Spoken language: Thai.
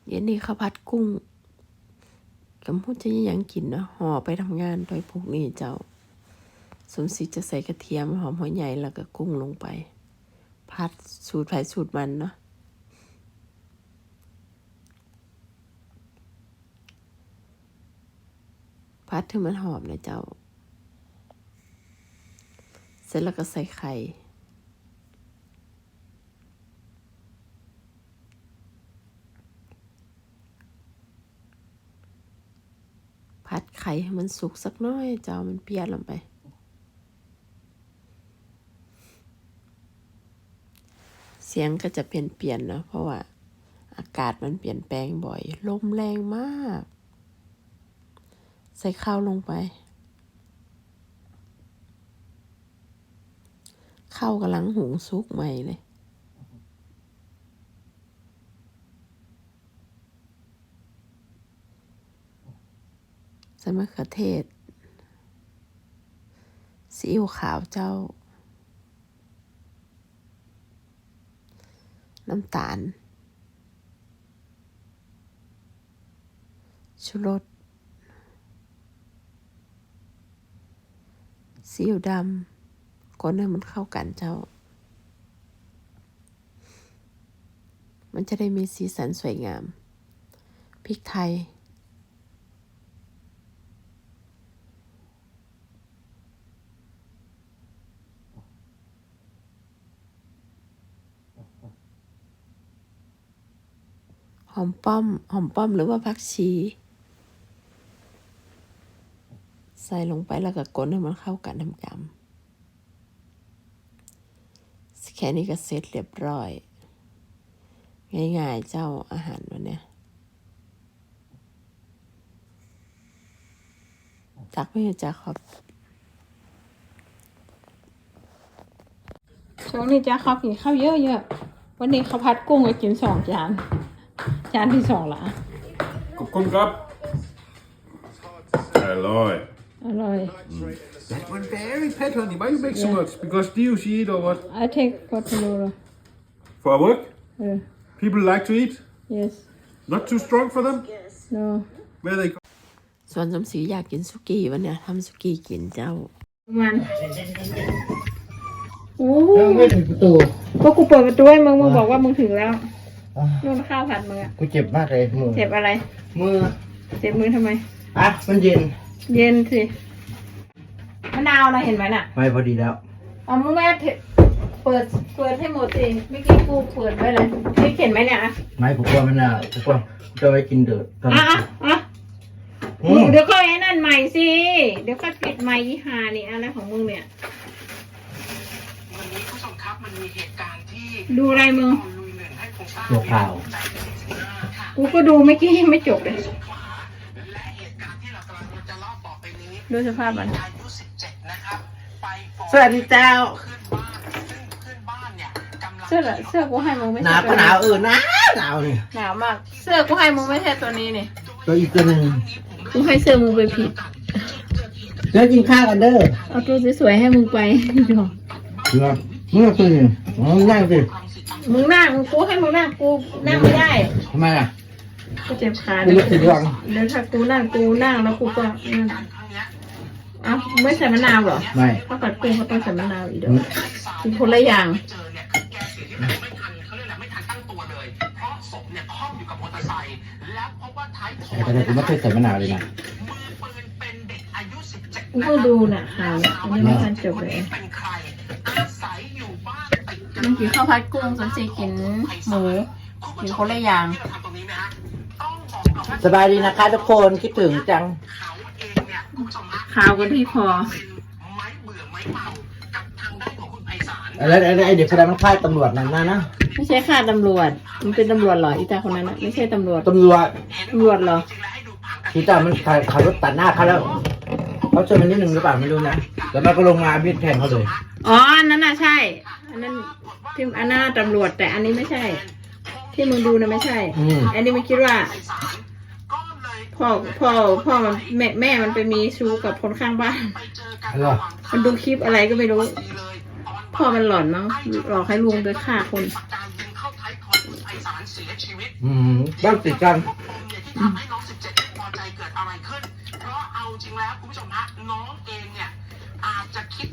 เย็นนี้ข้าวผัดกุ้งกำพูดจะยังกินนะห่อไปทำงานโดยพวกนี้เจ้าสมศรีจะใส่กระเทียมหอมหัวใหญ่แล้วก็กุ้งลงไปผัดสูตรไผ่สูตรมันเนาะผัดถึงมันหอมนะเจ้าเสร็จแล้วก็ใส่ไข่ผัดไข่ให้มันสุกสักน้อยเจ้ามันเปรี้ยวลงไปเสียงก็จะเปลี่ยนเนาะเพราะว่าอากาศมันเปลี่ยนแปลงบ่อยลมแรงมากใส่ข้าวลงไปข้าวกำลังหุงสุกใหม่เลยใส่มะเขือเทศซีอิ๊วขาวเจ้าน้ำตาลชูรสซีอิ๊วดำคนให้มันเข้ากันเจ้ามันจะได้มีสีสันสวยงามพริกไทยหอมป้อมหรือว่าผักชีใส่ลงไปแล้วก็กดให้มันเข้ากันทำกำแค่นี้ก็เสร็จเรียบร้อยง่ายๆเจ้าอาหารวันนี้จักไม่จักครับช่วงนี้จ้าเขากินข้าวเยอะๆวันนี้เขาพัดกุ้งไปกิน2 จานที่2ละ Kom grab. Alloy. อร่อย That one very pet, honey. Why you make so much? Because do you eat or what? I take what to do For work? People like to eat? yes Not too strong for them? no Where they go? ส่วนสมศรีอยากกินสุกี้วันนี้ทำสุกี้กินเจ้ามันโอ้ไม่ถึงประตูก็กูเปิดประตูให้มึงบอกว่ามึงถึงแล้วนู่นข้าวผัดมึงอะกูเจ็บมากเลยมือเจ็บอะไรมือเจ็บมือทำไมอ่ะมันเย็นเย็นสิมะนาวนะเห็นไหมน่ะไม่พอดีแล้วเอามึงแม่เปิดให้หมดสิเมื่อกี้กูเปิดไว้เลยนี่เห็นไหมเนี่ยอะไม่ผมกลัวมันอ่ะผมกลัวจะไว้กินเดือดตอนอ่ะเดี๋ยวก็ไอ้นั่นใหม่สิเดี๋ยวก็ปิดใหม่ยี่ห้านี่อะไรของมึงเนี่ยวันนี้ผู้ชมครับมันมีเหตุการณ์ที่ดูอะไรมึงลุยหนึ่งให้คงทราบตัวข่าวกูก็ดูเมื่อกี้ยังไม่จบเลยและเหตุการณ์ที่เรากำลังจะเล่าต่อไปนี้ดูสภาพมันอายุ17นะครับไปฟ้องสวัสดีเจ้าเพื่อนบ้านซึ่งเพื่อนบ้านเนี่ยกำลังเสื้อกูให้มึงไม่หใช่นาวก็หนาวหนาวนี่หนาวมาก เสื้อกูให้มึงไม่ใช่ตัวนี้นี่ตัวอีกตัวหนึ่งกูให้เสื้อมึงไปผิดแล้วกินข้าวกันเด้อเอาตัวสวยๆให้มึงไปเนาะเมื่อคืนนั่งสิมึงนั่งกูให้มึงนั่งกูนั่งไม่ได้ทำไมอ่ะกูเจ็บขาไม่รู้สึกยังเดี๋ยวถ้ากูนั่งแล้วกูก็เอ้าไม่ใส่มะนาวเหรอไม่ข้าวผัดกุ้งเขาต้องใส่มะนาวอีกเด้อกินคนละอย่างเจอเนี่ยคือแกเสียชีวิตไม่ทันเขาเรียกอะไรไม่ทันตั้งตัวเลยเพราะศพเนี่ยคล่อมอยู่กับมอเตอร์ไซค์แล้วพบว่าท้ายทอยแต่ผมไม่เคยใส่มะนาวเลยนะมือปืนเป็นเด็กอายุ17 กูก็ดูน่ะข่าวเนี่ยยังไม่ทันจบเลยเป็นใครอาศัยอยู่บ้านติดกันมันกินข้าวผัดกุ้งสันสีกินหมูกินคนละอย่างที่เราทำตรงนี้ไหมฮะต้องบอกก่อนว่าสบายดีนะคะทุกคนคิดถึงจังเขาเองเนี่ยคุณผู้ชมฮะข่าวกันที่คอเป็นไม้เบื่อไม้เมากับทางด้านของคุณไพศาลแล้วไอ้เด็กคนนั้นมันฆ่าตำรวจนั่นนะไม่ใช่ค่าตำรวจ มันเป็นตำรวจเหรออีตาคนนั้นน่ะไม่ใช่ตำรวจตำรวจตำรวจเหรอจริงแล้วให้ดูผังกันที่ตามันขับรถตัดหน้าเขาแล้วเขาชนมันนิดนึงหรือเปล่าไม่รู้นะแล้วมันก็ลงมาบีบแทงเขาเลยอ๋ออันนั้นน่ะใช่ อันนั้นที่อันนั้นตำรวจแต่อันนี้ไม่ใช่ ที่มึงดูนะไม่ใช่ อันนี้มันคิดว่าก็เลยพ่อมันแม่มันไปมีชู้กับคนข้างบ้านไปเจอกันเหรอมันดูคลิปอะไรก็ไม่รู้เลยตอนพ่อมันหลอนมั้งหลอกให้ลุงไปฆ่าคนปากกายิงเข้าท้ายทอยคุณไพศาลารเสียชีวิตบ้านติดกันเนี่ยที่ทำให้น้อง17ไม่พอใจเกิดอะไรขึ้น เพราะเอาจริงแล้วคุณผู้ชมฮะน้องเองเนี่ยอาจจะคิด